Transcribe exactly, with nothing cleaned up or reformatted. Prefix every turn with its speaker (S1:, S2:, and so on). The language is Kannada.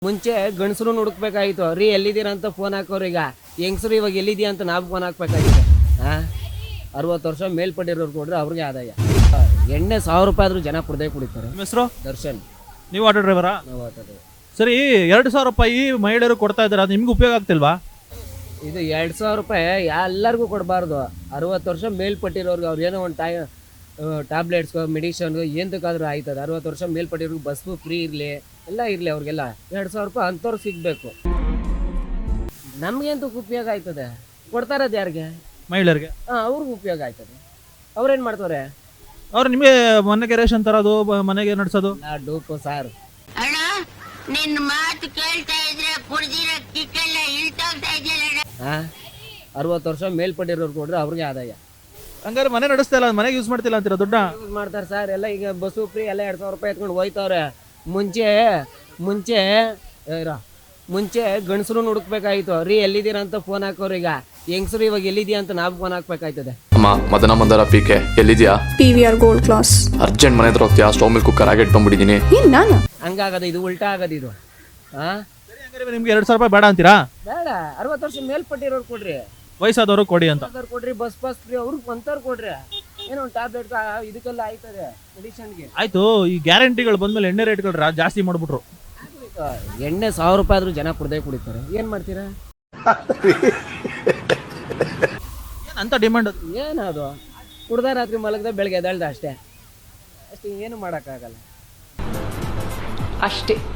S1: ಮುಂಚೆ ಗಂಡಸರು ಹುಡುಕ್ಬೇಕಾಗಿತ್ತು ರೀ ಎಲ್ಲಿದ್ದೀರಾ ಅಂತ ಫೋನ್ ಹಾಕೋರು. ಈಗ ಹೆಂಗಸರು ಇವಾಗ ಎಲ್ಲಿದ್ದೀಯ ಅಂತ ನಾವು ಫೋನ್ ಹಾಕ್ಬೇಕಾಗಿತ್ತು. ಹಾಂ, ಅರವತ್ತು ವರ್ಷ ಮೇಲ್ಪಟ್ಟಿರೋರು ಕೊಡ್ರೆ ಅವ್ರಿಗೆ ಆದಾಯ. ಎಣ್ಣೆ ಸಾವಿರ ರೂಪಾಯಿ ಆದರೂ ಜನ ಕುಡ್ದೇ ಕುಡಿತಾರೆ.
S2: ನಿಮ್ಮ ಹೆಸರು?
S1: ದರ್ಶನ್.
S2: ನೀವು ಆಟೋ ಡ್ರೈವರಾ?
S1: ನಾವು ಆಟೋದು.
S2: ಸರಿ, ಎರಡು ಸಾವಿರ ರೂಪಾಯಿ ಮಹಿಳೆಯರು ಕೊಡ್ತಾ ಇದ್ದಾರೆ, ಅದು ನಿಮ್ಗೆ ಉಪಯೋಗ ಆಗ್ತಿಲ್ವಾ?
S1: ಇದು ಎರಡು ಸಾವಿರ ರೂಪಾಯಿ ಎಲ್ಲರಿಗೂ ಕೊಡಬಾರ್ದು. ಅರವತ್ತು ವರ್ಷ ಮೇಲ್ಪಟ್ಟಿರೋರ್ಗೆ ಅವ್ರು ಏನೋ ಒಂದು ಟೈ ಟ್ಯಾಬ್ಲೆಟ್ಸ್ಗೋ ಮೆಡಿಷನ್ಗೋ ಎಂತಕ್ಕಾದ್ರೂ ಆಯ್ತದೆ. ಅರವತ್ತು ವರ್ಷ ಮೇಲ್ಪಟ್ಟಿರೋರ್ಗೆ ಬಸ್ಸು ಫ್ರೀ ಇರಲಿ, ಎಲ್ಲ ಇರಲಿ, ಅವ್ರಿಗೆಲ್ಲ ಎರಡು ಸಾವಿರ ರೂಪಾಯಿ ಅಂಥವ್ರಿಗೆ ಸಿಗಬೇಕು. ನಮಗಂತೂ ಉಪಯೋಗ ಆಯ್ತದೆ. ಕೊಡ್ತಾ ಇರೋದು ಯಾರಿಗೆ? ಮಹಿಳೆಯರಿಗೆ. ಹಾಂ, ಅವ್ರಿಗೆ ಉಪಯೋಗ ಆಯ್ತದೆ. ಅವ್ರೇನು ಮಾಡ್ತಾರೆ?
S2: ಅವ್ರು ನಿಮಗೆ ಮನೆಗೆ ರೇಷನ್ ತರೋದು, ಮನೆಗೆ ನಡೆಸೋದು.
S1: ಡೂಪು ಸಾರು.
S3: ಅಣ್ಣ, ನಿನ್ನ ಮಾತು ಕೇಳ್ತಾ ಇದ್ರೆ ಕುಡ್ದಿರೋ ಕಿಕ್ಕೆಲ್ಲ ಇಳ್ತೋಗ್ತಾ ಇದೆಯಲ್ಲ.
S1: ಹಾಂ, ಅರವತ್ತು ವರ್ಷ ಮೇಲ್ಪಟ್ಟಿರೋರು ಕೊಡ್ರೆ ಅವ್ರಿಗೆ ಆದಾಯ.
S2: ಹಂಗಾರೆ ಮನೆ ನಡೆಸ್ತಾ ಇಲ್ಲ, ಮನೆಗೆ ಯೂಸ್ ಮಾಡ್ತಿಲ್ಲ ಅಂತೀರಾ? ದುಡ್ಡ
S1: ಯೂಸ್ ಮಾಡ್ತಾರೆ ಸರ್. ಎಲ್ಲ ಈಗ ಬಸ್ಸು ಫ್ರೀ ಎಲ್ಲ ಎರಡು ಸಾವಿರ ರೂಪಾಯಿ ಎತ್ಕೊಂಡು ಹೋಯ್ತವ್ರೆ. ಮುಂಚೆ ಮುಂಚೆ ಇರೋ ಮುಂಚೆ ಗಂಡಸರು ಹುಡುಕ್ಬೇಕಾಗಿತ್ತು ರೀ ಎಲ್ಲಿದ್ದೀರಾ ಅಂತ ಫೋನ್ ಹಾಕೋರು. ಈಗ ಹೆಂಗಸರು ಇವಾಗ ಎಲ್ಲಿದ್ದೀಯ ಅಂತ ನಾವು ಫೋನ್ ಹಾಕ್ಬೇಕಾಯ್ತದೆ.
S4: ಅಮ್ಮ, ಮದನ ಮಂದರ ಪಿ ಕೆ ಎಲ್ಲಿದ್ಯಾ?
S5: P V R gold class.
S4: Urgent ಮನೆ ಹತ್ರ ಹೋಗ್ತೀಯಾ? ಸ್ಟವ್ ಮೇಲೆ ಕುಕ್ಕರ್ ಆಗಿ ಇಟ್ಕೊಂಡ್ಬಿಟ್ಟಿದ್ದೀನಿ.
S5: ನಾನು
S1: ಹಂಗಾಗದ ಇದು ಉಲ್ಟಾ ಆಗದ ಇದು. ಹಾಂ,
S2: ನಿಮ್ಗೆ ಎರಡು ಸಾವಿರ ರೂಪಾಯಿ ಬೇಡ ಅಂತೀರಾ?
S1: ಬೇಡ, ಅರವತ್ತು ವರ್ಷ ಮೇಲ್ಪಟ್ಟಿರೋರು ಕೊಡ್ರಿ,
S2: ವಯಸ್ಸಾದವರು ಕೊಡಿ ಅಂತ
S1: ಕೊಡ್ರಿ. ಬಸ್ ಪಾಸ್ ಫ್ರೀ ಅವ್ರಿಗೆ ಬಂತವ್ರು ಕೊಡ್ರಿ. ಏನೋ ಒಂದು ಟ್ಯಾಬ್ಲೆಟ್ ಇದಕ್ಕೆಲ್ಲ ಆಯ್ತದೆ, ಮೆಡಿಷನ್ಗೆ.
S2: ಆಯ್ತು, ಈ ಗ್ಯಾರಂಟಿಗಳು ಬಂದ್ಮೇಲೆ ಎಣ್ಣೆ ರೇಟ್ಗಳು ಜಾಸ್ತಿ ಮಾಡ್ಬಿಟ್ರು.
S1: ಎಣ್ಣೆ ಸಾವಿರ ರೂಪಾಯಿ ಆದ್ರೂ ಜನ ಕುಡ್ದೇ ಕುಡಿತಾರೆ. ಏನ್ ಮಾಡ್ತೀರಾ?
S2: ಅಂತ ಡಿಮಾಂಡ್
S1: ಏನದು? ಕುಡ್ದ ರಾತ್ರಿ ಮಲಗದ ಬೆಳಗ್ಗೆ ಎದ್ದೇಳ್ದ ಅಷ್ಟೇ ಅಷ್ಟೇ, ಏನು ಮಾಡೋಕ್ಕಾಗಲ್ಲ.
S5: ಅಷ್ಟೇ.